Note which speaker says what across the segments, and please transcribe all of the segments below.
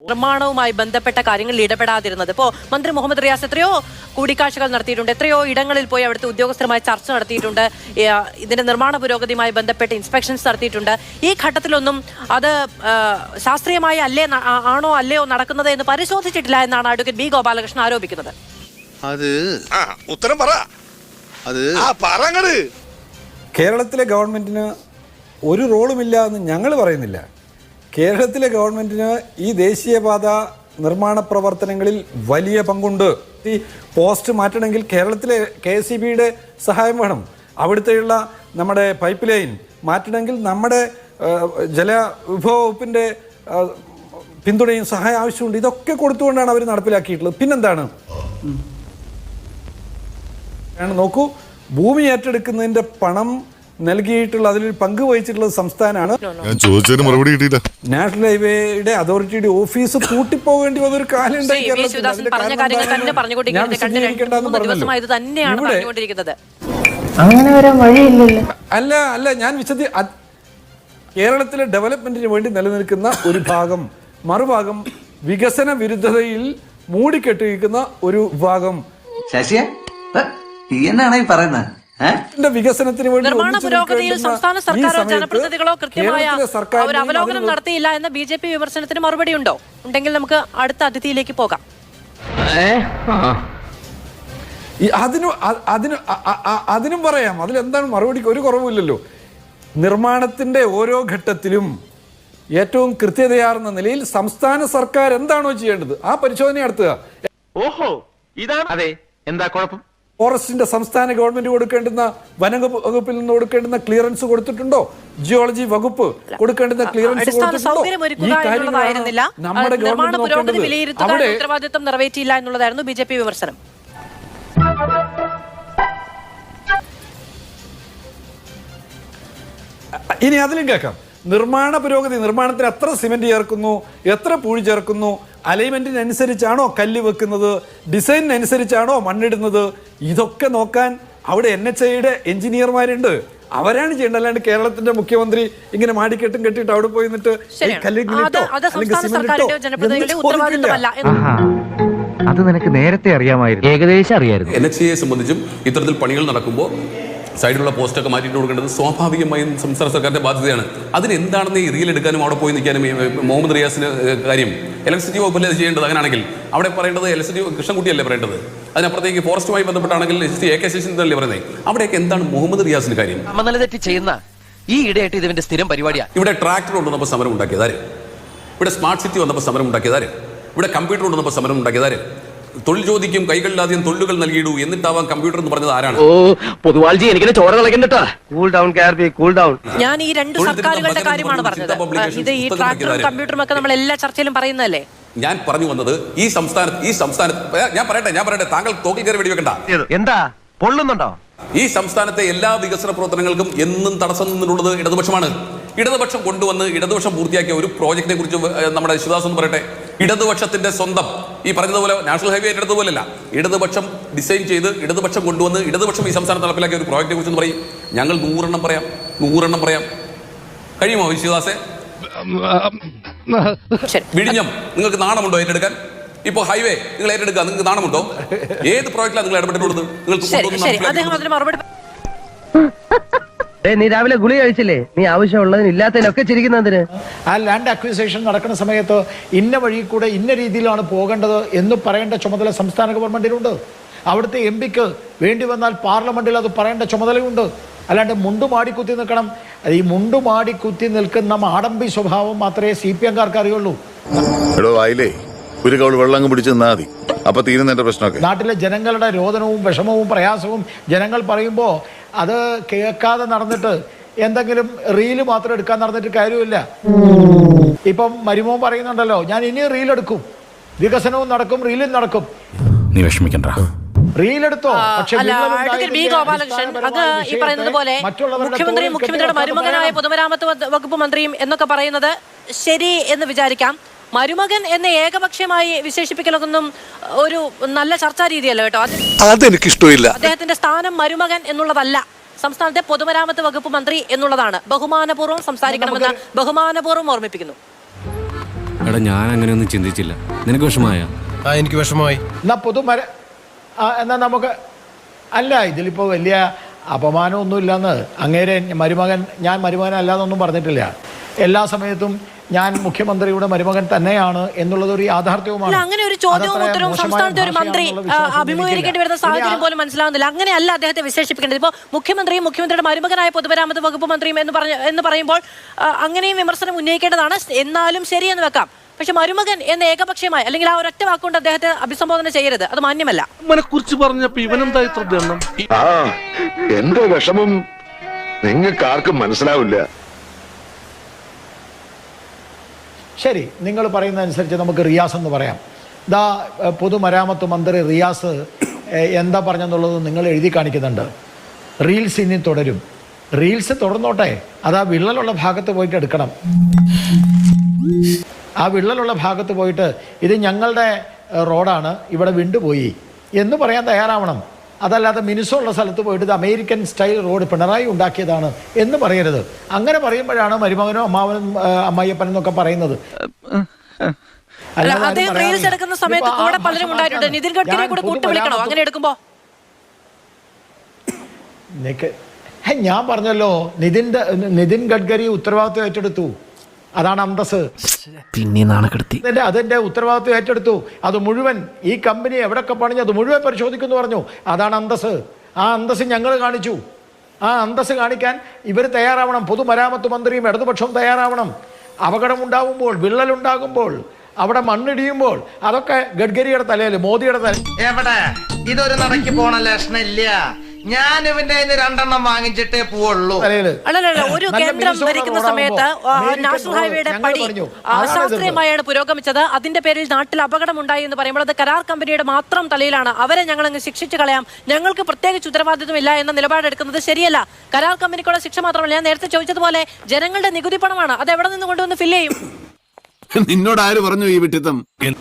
Speaker 1: നിർമ്മാണവുമായി ബന്ധപ്പെട്ട കാര്യങ്ങളിൽ ഇടപെടാതിരുന്നത്? ഇപ്പോൾ മന്ത്രി മുഹമ്മദ് റിയാസ് എത്രയോ കൂടിക്കാഴ്ചകൾ നടത്തിയിട്ടുണ്ട്, എത്രയോ ഇടങ്ങളിൽ പോയി അവിടുത്തെ ഉദ്യോഗസ്ഥരുമായി ചർച്ച നടത്തിയിട്ടുണ്ട്, ഇതിന്റെ നിർമ്മാണ പുരോഗതിയുമായി ബന്ധപ്പെട്ട് ഇൻസ്പെക്ഷൻസ് നടത്തിയിട്ടുണ്ട്. ഈ ഘട്ടത്തിലൊന്നും അത് ശാസ്ത്രീയമായി അല്ലയോ നടക്കുന്നത് എന്ന് പരിശോധിച്ചിട്ടില്ല എന്നാണ് അഡ്വക്കേറ്റ് ബി ഗോപാലകൃഷ്ണൻ ആരോപിക്കുന്നത്.
Speaker 2: കേരളത്തിലെ ഗവൺമെന്റിന് ഒരു റോളുമില്ല എന്ന് ഞങ്ങൾ പറയുന്നില്ല. കേരളത്തിലെ ഗവൺമെന്റിന് ഈ ദേശീയപാത നിർമ്മാണ പ്രവർത്തനങ്ങളിൽ വലിയ പങ്കുണ്ട്. ഈ പോസ്റ്റ് മാറ്റണമെങ്കിൽ കേരളത്തിലെ KSEBയുടെ സഹായം വേണം. അവിടുത്തെയുള്ള നമ്മുടെ പൈപ്പ് ലൈൻ മാറ്റണമെങ്കിൽ നമ്മുടെ ജലവിഭവ വകുപ്പിൻ്റെ പിന്തുണയും സഹായം ആവശ്യമുണ്ട്. ഇതൊക്കെ കൊടുത്തുകൊണ്ടാണ് അവർ നടപ്പിലാക്കിയിട്ടുള്ളത്. പിന്നെന്താണ് നോക്കൂ, ഭൂമി ഏറ്റെടുക്കുന്നതിൻ്റെ പണം നൽകിയിട്ടുള്ള അതിലൊരു പങ്ക് വഹിച്ചിട്ടുള്ളത് സംസ്ഥാനമാണ്. നാഷണൽ ഹൈവേയുടെ അതോറിറ്റിയുടെ ഓഫീസ് പൂട്ടിപ്പോകേണ്ടി വന്നൊരു കാലം ഉണ്ടായി. അല്ല ഞാൻ കേരളത്തിലെ ഡെവലപ്മെന്റിന് വേണ്ടി നിലനിൽക്കുന്ന ഒരു ഭാഗം, മറുഭാഗം വികസന വിരുദ്ധതയിൽ മൂടിക്കെട്ടിരിക്കുന്ന ഒരു വിഭാഗം. വികസനത്തിന് വേണ്ടി
Speaker 1: നിർമ്മാണ പുരോഗതിയിൽ സംസ്ഥാന സർക്കാരോ ജനപ്രതിനിധികളോ കൃത്യമായ ഒരു അവലോകനം നടത്തിയില്ല എന്ന BJP വിമർശനത്തിന് മറുപടി ഉണ്ടോ? ഉണ്ടെങ്കിൽ നമുക്ക് അടുത്ത അതിഥിയിലേക്ക് പോകാം.
Speaker 2: അതിനും പറയാം. അതിലെന്താണ് മറുപടിക്ക് ഒരു കുറവുമില്ലല്ലോ. നിർമ്മാണത്തിന്റെ ഓരോ ഘട്ടത്തിലും ഏറ്റവും കൃത്യതയാർന്ന നിലയിൽ സംസ്ഥാന സർക്കാർ എന്താണോ ചെയ്യേണ്ടത് ആ പരിശോധന നടത്തുക.
Speaker 3: ഓഹോ, ഇതാണ് അതെ. എന്താ കുഴപ്പം?
Speaker 2: ഫോറസ്റ്റിന്റെ സംസ്ഥാന ഗവൺമെന്റ് കൊടുക്കേണ്ടുന്ന വനവകുപ്പിൽ നിന്ന് കൊടുക്കേണ്ടുന്ന ക്ലിയറൻസ് കൊടുത്തിട്ടുണ്ടോ? ജിയോളജി വകുപ്പ് കൊടുക്കേണ്ടുന്ന ക്ലിയറൻസ്
Speaker 1: നമ്മുടെ ഉത്തരവാദിത്വം നിറവേറ്റിയില്ല എന്നുള്ളതായിരുന്നു BJP വിമർശനം.
Speaker 2: ഇനി അതിലും കേൾക്കാം. നിർമ്മാണ പുരോഗതി, നിർമ്മാണത്തിന് എത്ര സിമെന്റ് ചേർക്കുന്നു, എത്ര പൂഴി ചേർക്കുന്നു, അലൈൻമെന്റിനനുസരിച്ചാണോ കല്ല് വെക്കുന്നത്, ഡിസൈനിനനുസരിച്ചാണോ മണ്ണിടുന്നത്, ഇതൊക്കെ നോക്കാൻ അവിടെ NHAയുടെ എഞ്ചിനീയർമാരുണ്ട്. അവരാണ് ചെയ്യേണ്ടത്. അല്ലാണ്ട് കേരളത്തിന്റെ മുഖ്യമന്ത്രി ഇങ്ങനെ മാടിക്കെട്ടും കെട്ടിയിട്ട് അവിടെ പോയി നിന്നിട്ട്
Speaker 3: അത് നിനക്ക് നേരത്തെ അറിയാമായിരുന്നു, ഏകദേശം അറിയായിരുന്നു.
Speaker 4: NHAയെ സംബന്ധിച്ചും ഇത്തരത്തിൽ പണികൾ നടക്കുമ്പോൾ സൈഡിലുള്ള പോസ്റ്റൊക്കെ മാറ്റിയിട്ട് കൊടുക്കേണ്ടത് സ്വാഭാവികമായും സംസ്ഥാന സർക്കാരിന്റെ ബാധ്യതയാണ്. അതിനെന്താണെന്ന് ഈ റീൽ എടുക്കാനും അവിടെ പോയി നിൽക്കാനും മുഹമ്മദ് റിയാസിന് കാര്യം? ഇലക്ട്രിസിറ്റി വകുപ്പല്ലേ അത് ചെയ്യേണ്ടത്? അങ്ങനെയാണെങ്കിൽ അവിടെ പറയേണ്ടത് ഇലക്ട്രിസിറ്റി കൃഷ്ണൻകുട്ടിയല്ലേ പറയേണ്ടത്? അതിനപ്പുറത്തേക്ക് ഫോറസ്റ്റുമായി ബന്ധപ്പെട്ടാണെങ്കിൽ AK ശശീന്ദ്രനല്ലേ പറയുന്നത്? അവിടെയൊക്കെ എന്താണ് മുഹമ്മദ് റിയാസിന് കാര്യം?
Speaker 5: തെറ്റ് ചെയ്യുന്ന ഈ ഇടയായിട്ട് ഇതിന്റെ സ്ഥിരം പരിപാടിയാണ്.
Speaker 4: ഇവിടെ ട്രാക്ടർ കൊണ്ടുവന്നപ്പോൾ സമരം ഉണ്ടാക്കിയതാര്? ഇവിടെ സ്മാർട്ട് സിറ്റി വന്നപ്പോൾ സമരം ഉണ്ടാക്കിയതാര്? ഇവിടെ കമ്പ്യൂട്ടർ കൊണ്ടുവന്നപ്പോൾ സമരം ഉണ്ടാക്കിയതാര്? തൊഴിൽ ചോദിക്കും കൈകളിലാദ്യം തൊഴിലുകൾ നൽകിയിടൂ എന്നിട്ടാവാം കമ്പ്യൂട്ടർ എന്ന് പറഞ്ഞത് ആരാണ്?
Speaker 1: ഞാൻ ഈ രണ്ട് സർക്കാരുകളുടെ കാര്യമാണ് പറഞ്ഞത്. ഇത് ഈ ട്രാക്ടറും കമ്പ്യൂട്ടറും ഒക്കെ നമ്മൾ എല്ലാ ചർച്ചയിലും പറയുന്നതല്ലേ?
Speaker 4: ഞാൻ പറഞ്ഞു വന്നത് ഈ സംസ്ഥാനത്ത് ഞാൻ പറയട്ടെ, താങ്കൾ തോക്കിൽ കയറി വെടിവെക്കണ്ട.
Speaker 3: എന്താ പൊള്ളുന്നുണ്ടോ?
Speaker 4: ഈ സംസ്ഥാനത്തെ എല്ലാ വികസന പ്രവർത്തനങ്ങൾക്കും എന്നും തടസ്സം നിന്നിട്ടുള്ളത് ഇടതുപക്ഷമാണ്. ഇടതുപക്ഷം കൊണ്ടുവന്ന് ഇടതുപക്ഷം പൂർത്തിയാക്കിയ ഒരു പ്രോജക്റ്റിനെ കുറിച്ച് നമ്മുടെ ശിവദാസ് എന്ന് പറയട്ടെ. ഇടതുപക്ഷത്തിന്റെ സ്വന്തം ഈ പറഞ്ഞതുപോലെ നാഷണൽ ഹൈവേ ഏറ്റെടുത്തതുപോലല്ല, ഇടതുപക്ഷം ഡിസൈൻ ചെയ്ത് ഇടതുപക്ഷം കൊണ്ടുവന്ന് ഇടതുപക്ഷം ഈ സംസ്ഥാനത്ത് നടപ്പിലാക്കിയ ഒരു പ്രോജക്റ്റിനെ കുറിച്ച് പറയും. ഞങ്ങൾ 100 എണ്ണം പറയാം. കഴിയുമോ ശിവദാസെ? വിഴിഞ്ഞം നിങ്ങൾക്ക് നാണമുണ്ടോ ഏറ്റെടുക്കാൻ? ഇപ്പൊ ഹൈവേ നിങ്ങൾ ഏറ്റെടുക്കുക, നിങ്ങൾക്ക് നാണമുണ്ടോ? ഏത് പ്രോജക്റ്റിലാണ് നിങ്ങൾ ഇടപെട്ടിട്ടുള്ളത്?
Speaker 5: നീ രാവിലെ ഗുളി കഴിച്ചില്ലേ? നീ ആവശ്യമുള്ളതിന് ഇല്ലാത്തതിനൊക്കെ ചിരിക്കുന്നതിന്.
Speaker 6: ആ ലാൻഡ് അക്വിസിഷൻ നടക്കുന്ന സമയത്ത് ഇന്ന വഴി കൂടെ ഇന്ന രീതിയിലാണ് പോകേണ്ടത് എന്ന് പറയേണ്ട ചുമതല സംസ്ഥാന ഗവൺമെന്റിനുണ്ട്. അവിടുത്തെ MP വേണ്ടി വന്നാൽ പാർലമെന്റിൽ അത് പറയേണ്ട ചുമതലയുണ്ട്. അല്ലാണ്ട് മുണ്ടുമാടിക്കുത്തി നിൽക്കണം. ഈ മുണ്ടുമാടിക്കുത്തി നിൽക്കുന്ന മാടമ്പി സ്വഭാവം മാത്രമേ CPM-കാർക്ക് അറിയുള്ളൂ. നാട്ടിലെ ജനങ്ങളുടെ രോദനവും വിഷമവും പ്രയാസവും ജനങ്ങൾ പറയുമ്പോൾ അത് കേൾക്കാതെ നടന്നിട്ട് എന്തെങ്കിലും റീല് മാത്രം എടുക്കാൻ നടന്നിട്ട് കാര്യമില്ല. ഇപ്പം മരുമോൻ പറയുന്നുണ്ടല്ലോ, ഞാൻ ഇനി റീൽ എടുക്കും, വികസനവും നടക്കും, റീലും നടക്കും.
Speaker 7: നീ വിഷമിക്കണ്ട,
Speaker 1: റീലെടുത്തോ. പക്ഷേ ബി ഗോപാലകൃഷ്ണൻ അങ്ങ് ഈ പറയുന്നത് പോലെ മുഖ്യമന്ത്രിയുടെ മരുമകനായ പൊതുമരാമത്ത് വകുപ്പ് മന്ത്രിയും എന്നൊക്കെ പറയുന്നത് ശരി എന്ന് വിചാരിക്കാം. മരുമകൻ എന്ന ഏകപക്ഷീയമായി വിശേഷിപ്പിക്കലൊന്നും ഒരു നല്ല ചർച്ചാ രീതിയല്ല കേട്ടോ.
Speaker 8: അതെനിക്കിഷ്ടമില്ല.
Speaker 1: അദ്ദേഹത്തിന്റെ സ്ഥാനം മരുമകൻ എന്നുള്ളതല്ല, സംസ്ഥാനത്തെ പൊതുമരാമത്ത് വകുപ്പ് മന്ത്രി എന്നുള്ളതാണ്. ബഹുമാനപൂർവ്വം സംസാരിക്കണമെന്ന് ബഹുമാനപൂർവ്വം ഓർമ്മിപ്പിക്കുന്നു.
Speaker 7: എടാ ഞാൻ അങ്ങനെയൊന്നും ചിന്തിച്ചില്ല. നിനക്ക് വിഷമായ?
Speaker 8: എനിക്ക് വിഷമമായി.
Speaker 6: എന്നാ നമുക്ക് അല്ല, ഇതിലിപ്പോൾ വലിയ അപമാനമൊന്നുമില്ലെന്ന് അങ്ങേരെ ഞാൻ മരുമകനല്ലാന്നൊന്നും പറഞ്ഞിട്ടില്ല. എല്ലാ സമയത്തും ഞാൻ മുഖ്യമന്ത്രിയുടെ മരുമകൻ തന്നെയാണ് എന്നുള്ളത് ഒരു യാഥാർത്ഥ്യവുമാണ്.
Speaker 1: അങ്ങനെ ഒരു ചോദ്യവും ഉത്തരവും സംസ്ഥാനത്തെ ഒരു മന്ത്രി അഭിമുഖീകരിക്കേണ്ടി വരുന്ന സാഹചര്യം പോലും മനസ്സിലാവുന്നില്ല. അങ്ങനെയല്ല അദ്ദേഹത്തെ വിശേഷിപ്പിക്കേണ്ടത്. ഇപ്പോൾ മുഖ്യമന്ത്രിയും മുഖ്യമന്ത്രിയുടെ മരുമകനായ പൊതുമരാമത്ത് വകുപ്പ് മന്ത്രിയും എന്ന് പറയുമ്പോൾ അങ്ങനെയും വിമർശനം ഉന്നയിക്കേണ്ടതാണ്. എന്നാലും ശരിയെന്ന് വെക്കാം. പക്ഷെ മരുമകൻ എന്ന ഏകപക്ഷീയമായി അല്ലെങ്കിൽ ആ ഒരൊറ്റ വാക്കുകൊണ്ട് അദ്ദേഹത്തെ അഭിസംബോധന ചെയ്യരുത്, അത് മാന്യമല്ല.
Speaker 8: കുറിച്ച് പറഞ്ഞപ്പോ ഇവനെന്താ ഇത്ര ദണ്ണം?
Speaker 9: എന്റെ വിഷമം നിങ്ങൾക്ക് ആർക്കും മനസ്സിലാവില്ല.
Speaker 6: ശരി, നിങ്ങൾ പറയുന്നതനുസരിച്ച് നമുക്ക് റിയാസ് എന്ന് പറയാം. പൊതുമരാമത്ത് മന്ത്രി റിയാസ് എന്താ പറഞ്ഞെന്നുള്ളത് നിങ്ങൾ എഴുതി കാണിക്കുന്നുണ്ട്. റീൽസ് ഇനി തുടരും. റീൽസ് തുടർന്നോട്ടെ, അത് ആ വിള്ളലുള്ള ഭാഗത്ത് പോയിട്ട് എടുക്കണം. ആ വിള്ളലുള്ള ഭാഗത്ത് പോയിട്ട് ഇത് ഞങ്ങളുടെ റോഡാണ്, ഇവിടെ വിണ്ടുപോയി എന്ന് പറയാൻ തയ്യാറാവണം. അതല്ലാതെ മിനുസമുള്ള സ്ഥലത്ത് പോയിട്ട് ഇത് അമേരിക്കൻ സ്റ്റൈൽ റോഡ് പിണറായി ഉണ്ടാക്കിയതാണ് എന്ന് പറയരുത്. അങ്ങനെ പറയുമ്പോഴാണ് മരുമകനോ അമ്മാവനും അമ്മായിയപ്പനും എന്നൊക്കെ പറയുന്നത്.
Speaker 1: അദ്ദേഹം റീൽസ് എടുക്കുന്ന സമയത്ത് കൂടെ പലരും ഉണ്ടായിട്ടുണ്ട്. നിതിൻ ഗഡ്കരിയെ കൂടെ കൂട്ടുവിളിക്കണോ അങ്ങനെ എടുക്കുമ്പോ?
Speaker 6: ഞാൻ പറഞ്ഞല്ലോ, നിതിൻ ഗഡ്കരി ഉത്തരവാദിത്വം ഏറ്റെടുത്തു. അതാണ് അന്തസ്.
Speaker 3: പിന്നെ നാണക്കെടുത്തി
Speaker 6: അതിന്റെ ഉത്തരവാദിത്വം ഏറ്റെടുത്തു. അത് മുഴുവൻ ഈ കമ്പനി എവിടൊക്കെ പണിഞ്ഞു അത് മുഴുവൻ പരിശോധിക്കുന്നു പറഞ്ഞു. അതാണ് അന്തസ്. ആ അന്തസ് ഞങ്ങൾ കാണിച്ചു. ആ അന്തസ് കാണിക്കാൻ ഇവർ തയ്യാറാവണം. പൊതുമരാമത്ത് മന്ത്രിയും ഇടതുപക്ഷവും തയ്യാറാവണം. അപകടമുണ്ടാകുമ്പോൾ, വിള്ളലുണ്ടാകുമ്പോൾ, അവിടെ മണ്ണിടിയുമ്പോൾ അതൊക്കെ ഗഡ്കരിയുടെ തലയിൽ, മോദിയുടെ തലയിൽ.
Speaker 5: എവിടെ ഇതൊരു നടക്കി പോണ ലക്ഷണില്ല. ഞാൻ ഇവന്റെ 2 വാങ്ങിച്ചിട്ടേ പോവുള്ളൂ.
Speaker 1: അല്ലല്ല, ഒരു കേന്ദ്രം ഭരിക്കുന്ന സമയത്ത് നാഷണൽ ഹൈവേയുടെ പണി അശാസ്ത്രീയമായാണ് പുരോഗമിച്ചത്. അതിന്റെ പേരിൽ നാട്ടിൽ അപകടം ഉണ്ടായി എന്ന് പറയുമ്പോൾ അത് കരാർ കമ്പനിയുടെ മാത്രം തലയിലാണ്. അവരെ ഞങ്ങൾ അങ്ങ് ശിക്ഷിച്ചു കളയാം, ഞങ്ങൾക്ക് പ്രത്യേകിച്ച് ഉത്തരവാദിത്വമില്ല എന്ന നിലപാടെടുക്കുന്നത് ശരിയല്ല. കരാർ കമ്പനിക്കുള്ള ശിക്ഷ മാത്രമല്ല, ഞാൻ നേരത്തെ ചോദിച്ചതുപോലെ ജനങ്ങളുടെ നികുതി പണമാണ്, അത് എവിടെ നിന്ന് കൊണ്ടുവന്ന് ഫില്ല് ചെയ്യും?
Speaker 8: നിന്നോട് ആര് പറഞ്ഞു ഈ വിട്ടിത്തം?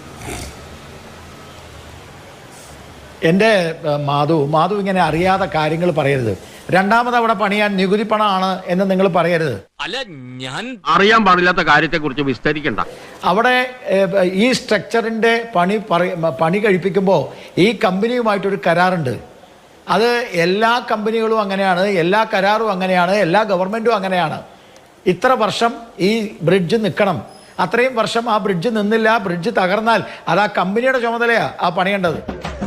Speaker 6: എൻ്റെ മാധു ഇങ്ങനെ അറിയാതെ കാര്യങ്ങൾ പറയരുത്. രണ്ടാമത് അവിടെ പണിയാൻ നികുതി പണമാണ് എന്ന് നിങ്ങൾ പറയരുത്.
Speaker 7: അല്ല, ഞാൻ
Speaker 3: അറിയാൻ പാടില്ലാത്ത കാര്യത്തെ കുറിച്ച് വിസ്തരിക്കണ്ട.
Speaker 6: അവിടെ ഈ സ്ട്രക്ചറിൻ്റെ പണി കഴിപ്പിക്കുമ്പോൾ ഈ കമ്പനിയുമായിട്ടൊരു കരാറുണ്ട്. അത് എല്ലാ കമ്പനികളും അങ്ങനെയാണ്, എല്ലാ കരാറും അങ്ങനെയാണ്, എല്ലാ ഗവൺമെൻറ്റും അങ്ങനെയാണ്. ഇത്ര വർഷം ഈ ബ്രിഡ്ജ് നിൽക്കണം. അത്രയും വർഷം ആ ബ്രിഡ്ജ് നിന്നില്ല, ബ്രിഡ്ജ് തകർന്നാൽ അത് ആ കമ്പനിയുടെ ചുമതലയാണ് ആ പണിയേണ്ടത്.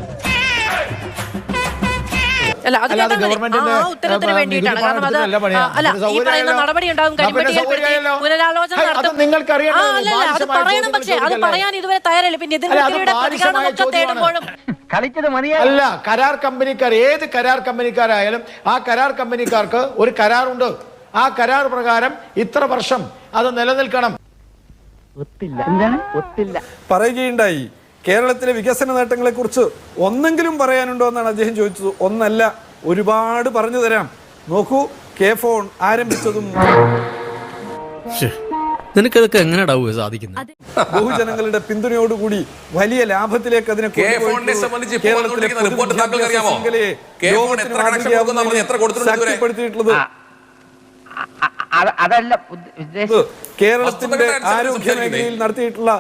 Speaker 6: അല്ല, കരാർ കമ്പനിക്കാർ, ഏത് കരാർ കമ്പനിക്കാരായാലും ആ കരാർ കമ്പനിക്കാർക്ക് ഒരു കരാറുണ്ട്. ആ കരാർ പ്രകാരം ഇത്ര വർഷം അത് നിലനിൽക്കണം.
Speaker 2: പറയുകയുണ്ടായി. കേരളത്തിലെ വികസന നേട്ടങ്ങളെ കുറിച്ച് ഒന്നെങ്കിലും പറയാനുണ്ടോ എന്നാണ് അദ്ദേഹം ചോദിച്ചത്. ഒന്നല്ല, ഒരുപാട് പറഞ്ഞു തരാം. നോക്കൂ, K-ഫോൺ ആരംഭിച്ചതും
Speaker 7: നിനക്കതൊക്കെ എങ്ങനെയാ സാധിക്കുന്നത്?
Speaker 2: ബഹുജനങ്ങളുടെ പിന്തുണയോടുകൂടി വലിയ ലാഭത്തിലേക്ക് അതിനെ ശക്തിപ്പെടുത്തിയിട്ടുള്ളത്. കേരളത്തിന്റെ ആരോഗ്യ മേഖലയിൽ നടത്തിയിട്ടുള്ള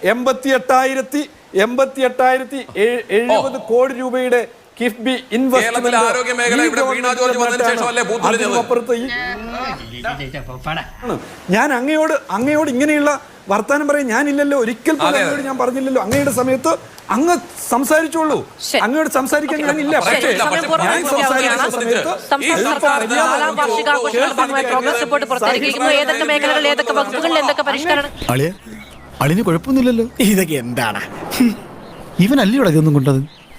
Speaker 2: 88,070 കോടി രൂപയുടെ കിഫ്ബി ഇൻവെസ്റ്റ്മെന്റ്. ഞാൻ അങ്ങയോട് ഇങ്ങനെയുള്ള വർത്താനം പറയും ഞാനില്ലല്ലോ, ഒരിക്കൽ പോലും അങ്ങയോട് ഞാൻ പറഞ്ഞില്ലല്ലോ. അങ്ങയുടെ സമയത്ത് അങ്ങ് സംസാരിച്ചോളൂ, അങ്ങയോട് സംസാരിക്കാൻ ഞാനില്ല. പക്ഷേ ഞാൻ സംസാരിക്കുന്ന സമയത്ത്
Speaker 10: അളിന് കുഴപ്പമൊന്നുമില്ലല്ലോ. ഇതൊക്കെ എന്താണ്? ഇവനല്ലേ ഇവിടെ ഇതൊന്നും കൊണ്ടത്?